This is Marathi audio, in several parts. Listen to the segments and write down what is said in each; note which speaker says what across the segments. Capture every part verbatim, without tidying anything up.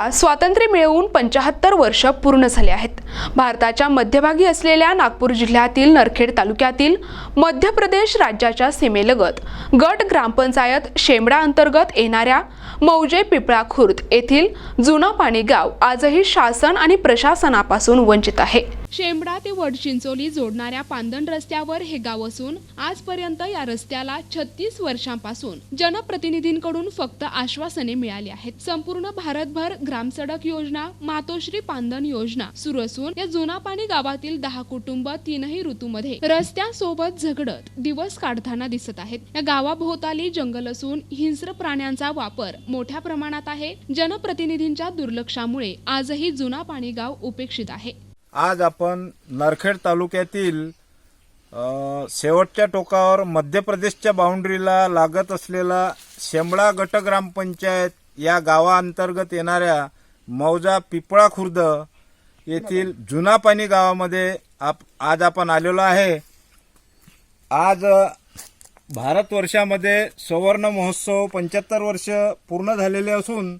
Speaker 1: देशाला स्वातंत्र्य मिळवून पंचाहत्तर वर्ष पूर्ण झाले आहेत। भारताच्या मध्यभागी असलेल्या नागपूर जिल्ह्यातील नरखेड तालुक्यातील मध्य प्रदेश राज्याच्या सीमेलगत गट ग्रामपंचायत शेमडा अंतर्गत येणाऱ्या मौजे पिपळा खुर्द येथील जुना पाणी गाव आजही शासन आणि प्रशासनापासून वंचित आहे। शेमडा ते वडचिंचोली जोडणाऱ्या पांदण रस्त्यावर हे गाव असून आजपर्यंत या रस्त्याला छत्तीस वर्षांपासून जनप्रतिनिधींकडून फक्त आश्वासने मिळाली आहेत। संपूर्ण भारतभर ग्रामसडक योजना, मातोश्री पांदण योजना सुरू असून या जुना पाणी गावातील दहा कुटुंब तीनही ऋतूमध्ये रस्त्यासोबत झगडत दिवस काढताना दिसत आहेत। या गावाभोवताली जंगल असून हिंस्र प्राण्यांचा वापर मोठ्या प्रमाणात आहे। जनप्रतिनिधींच्या दुर्लक्षामुळे आजही जुना पाणी गाव उपेक्षित आहे।
Speaker 2: आज आपण नरखेड तालुक्यातील शेवटच्या टोकावर मध्य प्रदेशच्या बाउंड्रीला लागत असलेला शेमडा गट ग्रामपंचायत या गावाअंतर्गत येणाऱ्या मौजा पिपळा खुर्द येथील जुना पाणी गावामध्ये आप आज आपण आलेलो आहे। आज भारतवर्षामध्ये सुवर्ण महोत्सव पंच्याहत्तर वर्ष पूर्ण झालेले असून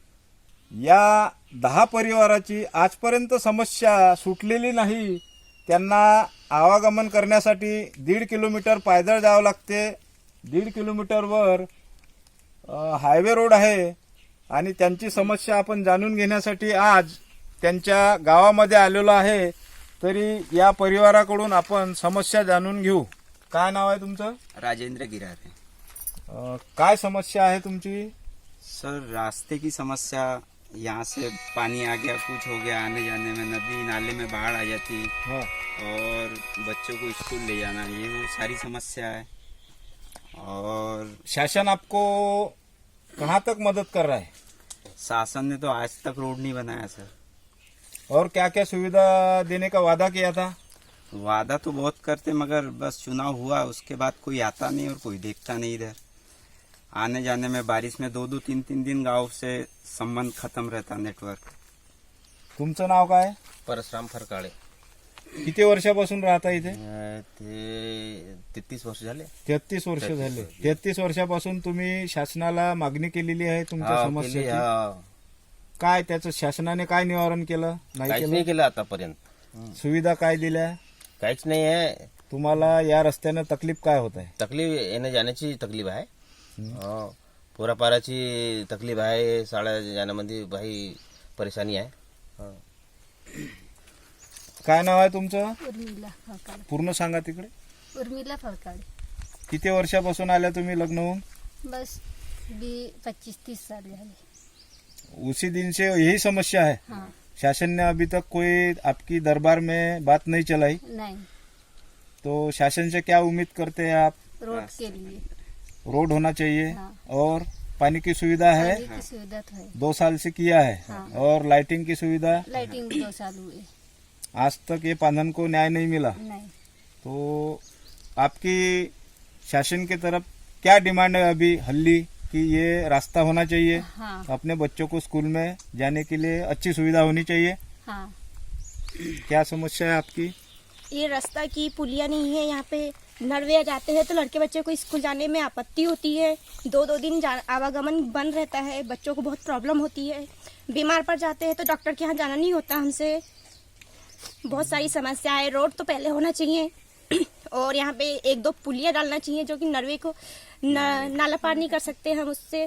Speaker 2: या दहा परिवाराची आजपर्यंत समस्या सुटलेली नाही। त्यांना आवागमन करण्यासाठी दीड किलोमीटर पायदळ जावं लागते। दीड किलोमीटरवर हायवे रोड आहे आणि त्यांची समस्या आपण जाणून घेण्यासाठी आज त्यांच्या गावामध्ये आलेलो आहे। तरी या परिवाराकडून आपण समस्या जाणून घेऊ। काय नाव आहे तुमचं?
Speaker 3: राजेंद्र गिरारे।
Speaker 2: काय समस्या आहे तुमची?
Speaker 3: सर, रास्ते की समस्या, यहाँ से पानी आ गया, कुछ हो गया, आने जाने में नदी नाले में बाढ़ आ जाती
Speaker 2: हाँ।
Speaker 3: और बच्चों को स्कूल ले जाना, ये वो सारी समस्या है। और
Speaker 2: शासन आपको कहाँ तक मदद कर रहा है?
Speaker 3: शासन ने तो आज तक रोड नहीं बनाया सर।
Speaker 2: और क्या क्या सुविधा देने का वादा किया था?
Speaker 3: वादा तो बहुत करते, मगर बस चुनाव हुआ उसके बाद कोई आता नहीं और कोई देखता नहीं। इधर आने जाने में बारिश में दो दो तीन तीन दिन गांव से संबंध खत्म रहता, नेटवर्क।
Speaker 2: तुमचं नाव काय?
Speaker 4: परशुराम फरकाळे।
Speaker 2: किती वर्षापासून राहता इथे?
Speaker 4: ते तेहतीस वर्ष झाले।
Speaker 2: तेहतीस वर्ष झाले। तेहतीस वर्षापासून तुम्ही शासनाला मागणी केलेली आहे तुमच्या
Speaker 4: हा, केली,
Speaker 2: समस्येची?
Speaker 4: हा.
Speaker 2: काय त्याचं शासनाने काय निवारण केलं? नाही
Speaker 4: काहीच
Speaker 2: केलं?
Speaker 4: नाही केलं आतापर्यंत।
Speaker 2: सुविधा काय दिल्या?
Speaker 4: काहीच नाही आहे।
Speaker 2: तुम्हाला या रस्त्यानं तकलीफ काय होत आहे?
Speaker 4: तकलीफ येण्या जाण्याची तकलीफ आहे, हो, पोरापाराची तकलीफ आहे, शाळा जाण्यामध्ये भाई परेशानी आहे। हो.
Speaker 2: काय नाव आहे तुमचं?
Speaker 5: उर्मिला फळकाळे।
Speaker 2: पूर्ण सांगा तिकडे।
Speaker 5: उर्मिला फळकाळे।
Speaker 2: किती वर्षापासून आल्या तुम्ही लग्न होऊन?
Speaker 5: बस भी पच्चीस तीस साल झाले।
Speaker 2: उसी दिन से यही समस्या है?
Speaker 5: हाँ।
Speaker 2: शासन ने अभी तक कोई आपकी दरबार में बात नहीं चलाई?
Speaker 5: नहीं।
Speaker 2: तो शासन से क्या उम्मीद करते हैं आप?
Speaker 5: रोड के लिए
Speaker 2: रोड होना चाहिए।
Speaker 5: हाँ।
Speaker 2: और पानी की सुविधा है?
Speaker 5: पानी की सुविधा तो है।
Speaker 2: दो साल से किया है।
Speaker 5: हाँ।
Speaker 2: और लाइटिंग की सुविधा?
Speaker 5: लाइटिंग भी दो साल हुए।
Speaker 2: आज तक ये पांधन को न्याय नहीं मिला।
Speaker 5: नहीं।
Speaker 2: तो आपकी शासन की तरफ क्या डिमांड है अभी हल्ली कि ये रास्ता होना चाहिए?
Speaker 5: हाँ।
Speaker 2: अपने बच्चों को स्कूल में जाने के लिए अच्छी सुविधा होनी चाहिए।
Speaker 5: हाँ।
Speaker 2: क्या समस्या है आपकी?
Speaker 6: ये रास्ता की पुलिया नहीं है। यहाँ पे नरवे जाते हैं तो लड़के बच्चे को स्कूल जाने में आपत्ति होती है। दो दो दिन आवागमन बंद रहता है, बच्चों को बहुत प्रॉब्लम होती है। बीमार पड़ जाते हैं तो डॉक्टर के यहाँ जाना नहीं होता हमसे। बहुत सारी समस्या है। रोड तो पहले होना चाहिए और यहाँ पे एक दो पुलिया डालना चाहिए जो कि नरवे को न, नाला पार नहीं कर सकते हम उससे।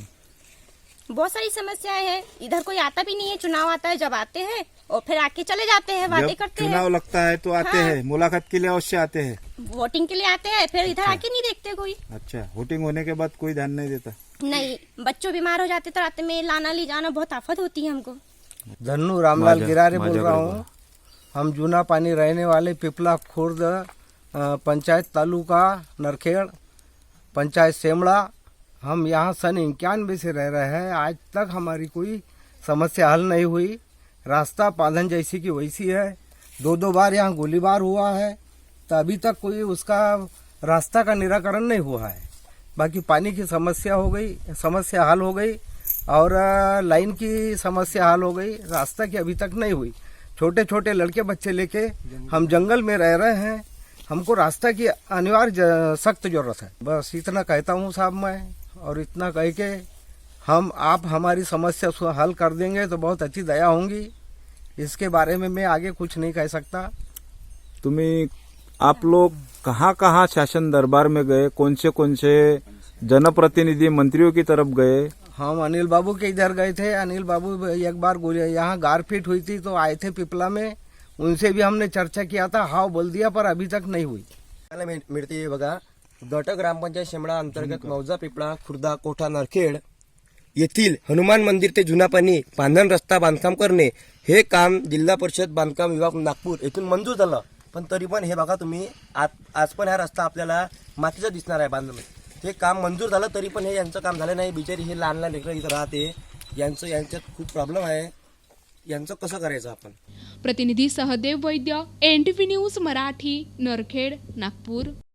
Speaker 6: बहुत सारी समस्याएं हैं। इधर कोई आता भी नहीं है। चुनाव आता है, जब आते हैं और फिर आके चले जाते हैं, बातें
Speaker 2: जब
Speaker 6: करते
Speaker 2: चुनाव
Speaker 6: हैं।
Speaker 2: लगता है तो आते
Speaker 6: हाँ।
Speaker 2: हैं, मुलाकात के लिए अवश्य आते हैं।
Speaker 6: वोटिंग के लिए आते हैं, फिर इधर आके नहीं देखते कोई।
Speaker 2: अच्छा, वोटिंग होने के बाद कोई ध्यान नहीं देता?
Speaker 6: नहीं, बच्चों बीमार हो जाते तो रात में लाना ले जाना बहुत आफत होती है हमको।
Speaker 7: धन्नू रामलाल गिरारे बोल रहा हूँ। हम जूना पानी रहने वाले पिपला खुर्द पंचायत तालुका नरखेड़ पंचायत शेमड़ा। हम यहाँ सन इक्यानवे से रह रहे हैं। आज तक हमारी कोई समस्या हल नहीं हुई। रास्ता पाधन जैसी की वैसी है। दो दो बार यहाँ गोलीबार हुआ है तो अभी तक कोई उसका रास्ता का निराकरण नहीं हुआ है। बाकी पानी की समस्या हो गई, समस्या हल हो गई, और लाइन की समस्या हल हो गई। रास्ता की अभी तक नहीं हुई। छोटे छोटे लड़के बच्चे लेके हम जंगल में रह रहे हैं। हमको रास्ता की अनिवार्य सख्त जरूरत है। बस इतना कहता हूँ साहब मैं, और इतना कह के हम आप हमारी समस्या सु- हल कर देंगे तो बहुत अच्छी दया होंगी। इसके बारे में मैं आगे कुछ नहीं कह सकता।
Speaker 2: तुम्ही आप लोग कहाँ कहाँ शासन दरबार में गए, कौन से कौन से जनप्रतिनिधि मंत्रियों की तरफ गए?
Speaker 7: हम अनिल बाबू के इधर गए थे। अनिल बाबू एक बार गोली यहाँ गारपीट हुई थी तो आए थे पिपला में, उनसे भी हमने चर्चा किया था, हाँ बोल दिया, पर अभी तक नहीं हुई।
Speaker 8: आपल्याला मिळ- मिळते बघा, गट ग्रामपंचायत शेमळा अंतर्गत मौजा पिपळा खुर्दा कोठा नरखेड येथील हनुमान मंदिर ते जुना पाणी बांधण रस्ता बांधकाम करणे हे काम जिल्हा परिषद बांधकाम विभाग नागपूर येथून मंजूर झालं, पण तरी पण हे बघा तुम्ही आज आज पण हा रस्ता आपल्याला मातीचा दिसणार आहे बांधणं. हे काम मंजूर झालं तरी पण हे यांचं काम झालं नाही. बिचारी हे लहान लहान लेकरं इथं राहते, यांचं यांच्यात खूप प्रॉब्लेम आहे. यांचं कसं करायचं आपण?
Speaker 1: प्रतिनिधी Sahdev Vaidya, N T V news Marathi, Narkhed, Nagpur.